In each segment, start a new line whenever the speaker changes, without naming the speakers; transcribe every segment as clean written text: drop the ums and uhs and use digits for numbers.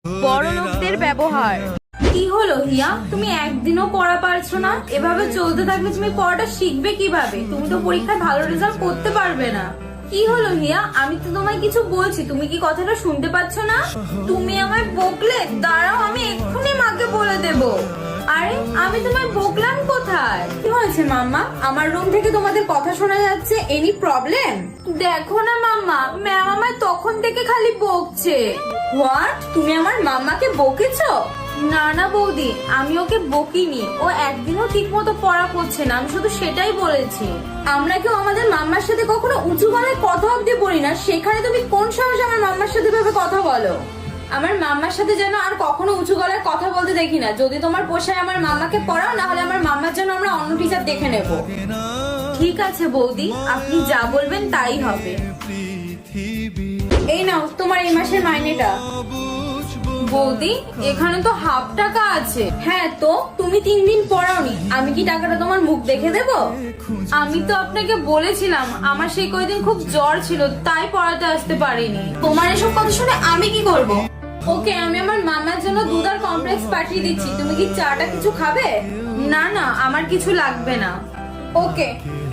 বড় লোকদের ব্যবহার।
কি হলো হিয়া, তুমি একদিনও পড়া পারছো না? এভাবে চলতে থাকলে তুমি পড়াটা শিখবে কিভাবে? তুমি তো পরীক্ষায় ভালো রেজাল্ট করতে পারবে না। কি হলো হিয়া, আমি তো তোমায় কিছু বলছি, তুমি কি কথাটা শুনতে পাচ্ছ না? তুমি আমায় বকলে? দাঁড়াও, আমি এক্ষুনি মাকে বলে দেব। আরে আমি তোমায় বকলাম কোথায়? কি হয়েছে মাম্মা? আমার রুম থেকে তোমাদের কথা শোনা যাচ্ছে। Any problem? দেখো না মাম্মা, ম্যাম আমায় তখন থেকে খালি বকছে। হোয়াট? তুমি আমার মাম্মাকে বকেছো? না না বৌদি, আমি ওকে বকিনি। ও একদিনও ঠিক মতো পড়া করছে না, আমি শুধু সেটাই বলেছি। আমরা কেউ আমাদের মাম্মার সাথে কখনো উঁচু গলায় কথা অব্দি বলি না, সেখানে তুমি কোন সাহসে আমার মাম্মার সাথে ভাবে কথা বলো? আমার মাম্মার সাথে যেন আর কখনো উঁচু গলায় কথা বলতে দেখি না। যদি তোমার পোষায় আমার মাম্মাকে পড়াও, না হলে আমার মাম্মার জন্য আমরা অন্য টিচার দেখে নেব। ঠিক আছে বৌদি, আপনি যা বলবেন তাই হবে। এই নাও তোমার এই মাসের মাইনেটা। বৌদি, এখানে তো হাফ টাকা আছে। হ্যাঁ তো, তুমি 3 দিন পড়াওনি, আমি কি টাকাটা তোমার মুখ দেখে দেব? আমি তো আপনাকে বলেছিলাম আমার সেই কয়দিন খুব জ্বর ছিল, তাই পড়াতে আসতে পারিনি। তোমার এসব কথা শুনে আমি কি করব? ওকে, আমি আমার মামার জন্য দুধ আর কমপ্লেক্স পাঠিয়ে দিচ্ছি। তুমি কি চাটা কিছু খাবে? না না, আমার কিছু লাগবে না। ওকে।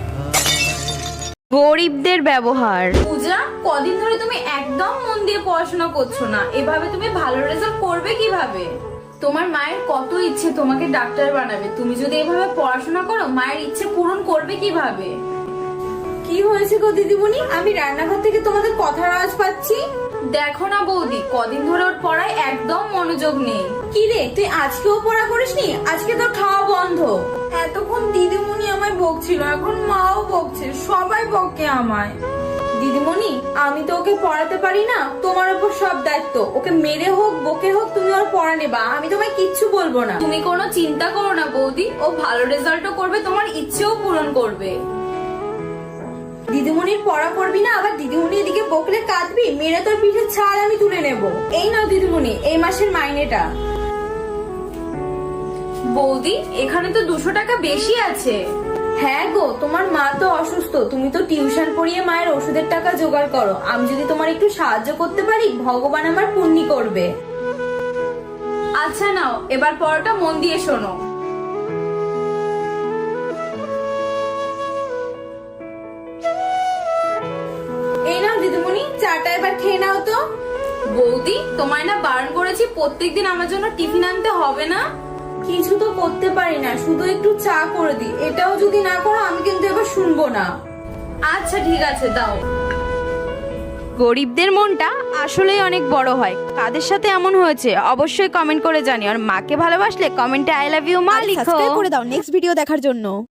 গরিবদের ব্যবহার।
পূজা, কদিন ধরে তুমি একদম মন দিয়ে পড়াশোনা করছো না, এভাবে তুমি ভালো রেজাল্ট করবে কিভাবে? তোমার মায়ের কত ইচ্ছে তোমাকে ডাক্তার বানাবে, তুমি যদি এভাবে পড়াশোনা করো মায়ের ইচ্ছে পূরণ করবে কিভাবে? কি হয়েছে গো দিদিমণি, আমি রান্নাঘর থেকে তোমাদের কথার আওয়াজ পাচ্ছি। দেখো না বৌদি, কদিন ধরে ওর পড়ায় একদম মনোযোগ নেই। কি রে, তুই আজকেও পড়া করিসনি? আজকে তো খাওয়া বন্ধ। এতক্ষণ দিদিমণি আমায় বকছিল, এখন মাও বকছে, সবাই বকে আমায়। দিদিমণি, আমি তো ওকে পড়াতে পারি না, তোমার উপর সব দায়িত্ব। ওকে মেরে হোক বকে হোক তুমি ওর পড়া নেবা, আমি তোমায় কিচ্ছু বলবো না। তুমি কোনো চিন্তা করো না বৌদি, ও ভালো রেজাল্টও করবে, তোমার ইচ্ছেও পূরণ করবে। দিদিমণির পড়া করবি না, আবার দিদিমণি এদিকে বকলে কাঁদবি, মেরে তোর পিঠের ছাল আমি তুলে নেব। এই নাও দিদিমণি এই মাসের মাইনেটা। বৌদি, এখানে তো 200 টাকা বেশি আছে। হ্যাঁ গো, তোমার মা তো অসুস্থ, তুমি তো টিউশন পড়িয়ে মায়ের ওষুধের টাকা জোগাড় করো। আমি যদি তোমার একটু সাহায্য করতে পারি, ভগবান আমার পুণ্যি করবে। আচ্ছা নাও, এবার পড়াটা মন দিয়ে শোনো। এই নাও দিদিমণি, চাটা এবার খেয়ে নাও তো। বৌদি, তোমায় না বারণ করেছি প্রত্যেকদিন আমার জন্য টিফিন আনতে হবে না? কিছু তো করতে পারি না, শুধু একটু চা করে দি। এটাও যদি না করো আমি কিন্তু এবার শুনবো না। আচ্ছা ঠিক আছে, দাও।
গরিবদের মনটা আসলেই অনেক বড় হয়। কাদের সাথে এমন হয়েছে অবশ্যই কমেন্ট করে জানিও। আর মাকে ভালোবাসলে কমেন্টে আই লাভ ইউ মা লিখো।
সাবস্ক্রাইব করে দাও নেক্সট ভিডিও দেখার জন্য।